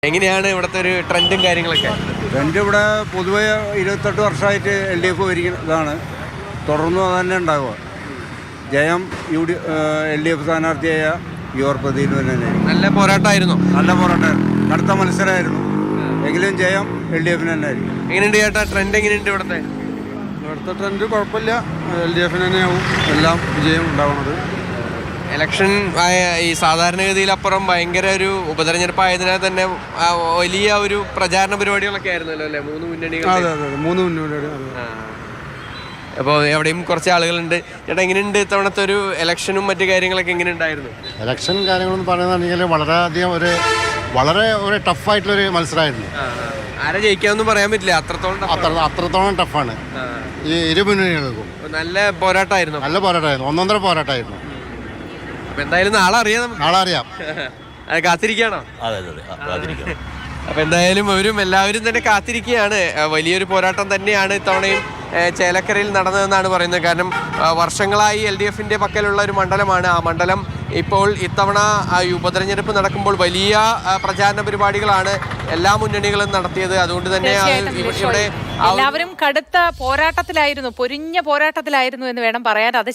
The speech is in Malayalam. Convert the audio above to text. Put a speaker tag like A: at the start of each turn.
A: എങ്ങനെയാണ് ഇവിടുത്തെ ഒരു ട്രെൻഡും കാര്യങ്ങളൊക്കെ?
B: ട്രെൻഡ് ഇവിടെ പൊതുവെ 28 വർഷമായിട്ട് LDF ഭരിക്കുന്നതാണ്. തുടർന്നും അത് തന്നെ ഉണ്ടാവുക. ജയം LDF സ്ഥാനാർത്ഥിയായ പ്രദീപ് തന്നെ.
A: നല്ല പോരാട്ടമായിരുന്നു.
B: നല്ല പോരാട്ടമായിരുന്നു, കടുത്ത മത്സരമായിരുന്നു. എങ്കിലും ജയം LDF തന്നെ ആയിരിക്കും.
A: എങ്ങനെയുണ്ട് ചേട്ടാ ട്രെൻഡ്? എങ്ങനെയുണ്ട് ഇവിടുത്തെ
B: ട്രെൻഡ്? കുഴപ്പമില്ല, LDF തന്നെയാവും എല്ലാം വിജയം ഉണ്ടാവുന്നത്.
A: ഇലക്ഷൻ ഈ സാധാരണഗതിയിലപ്പുറം ഭയങ്കര ഒരു ഉപതെരഞ്ഞെടുപ്പ് ആയതിനാൽ തന്നെ വലിയ ഒരു പ്രചാരണ പരിപാടികളൊക്കെ ആയിരുന്നല്ലോ അല്ലേ മൂന്ന് മുന്നണികൾ?
B: മൂന്ന് മുന്നണികൾ.
A: അപ്പോൾ എവിടെയും കുറച്ച് ആളുകളുണ്ട്. ചേട്ടാ എങ്ങനെയുണ്ട് ഇത്തവണത്തെ ഒരു ഇലക്ഷനും മറ്റു കാര്യങ്ങളൊക്കെ എങ്ങനെ ഉണ്ടായിരുന്നു?
C: ഇലക്ഷൻ കാര്യങ്ങളെന്ന് പറയുകയാണെങ്കിൽ വളരെയധികം വളരെ ഒരു ടഫായിട്ടുള്ളൊരു മത്സരമായിരുന്നു.
A: ആരെ ജയിക്കാമെന്നും പറയാൻ പറ്റില്ല,
C: അത്രത്തോളം ടഫാണ് ഈ ഇരു മുന്നണികൾക്കും.
A: നല്ല പോരാട്ടമായിരുന്നു.
C: നല്ല പോരാട്ടമായിരുന്നു, ഒന്നൊന്നര പോരാട്ടമായിരുന്നു.
A: അപ്പൊ എന്തായാലും നാളെ അറിയാം.
C: നാളെ അറിയാം.
A: അത് കാത്തിരിക്കുകയാണോ?
D: അതെ കാത്തിരിക്കണം.
A: അപ്പൊ എന്തായാലും എല്ലാവരും തന്നെ കാത്തിരിക്കുകയാണ്. വലിയൊരു പോരാട്ടം തന്നെയാണ് ഇത്തവണയും ചേലക്കരയിൽ നടന്നതെന്നാണ് പറയുന്നത്. കാരണം വർഷങ്ങളായി LDFന്റെ പക്കലുള്ള ഒരു മണ്ഡലമാണ്. ആ മണ്ഡലം ഇപ്പോൾ ഇത്തവണ ഉപതെരഞ്ഞെടുപ്പ് നടക്കുമ്പോൾ വലിയ പ്രചാരണ പരിപാടികളാണ് എല്ലാ മുന്നണികളും നടത്തിയത്. അതുകൊണ്ട് തന്നെ ഇവിടെ
E: എല്ലാവരും കടുത്ത പോരാട്ടത്തിലായിരുന്നു, പൊരിഞ്ഞ പോരാട്ടത്തിലായിരുന്നു എന്ന് വേണം പറയാൻ. അത്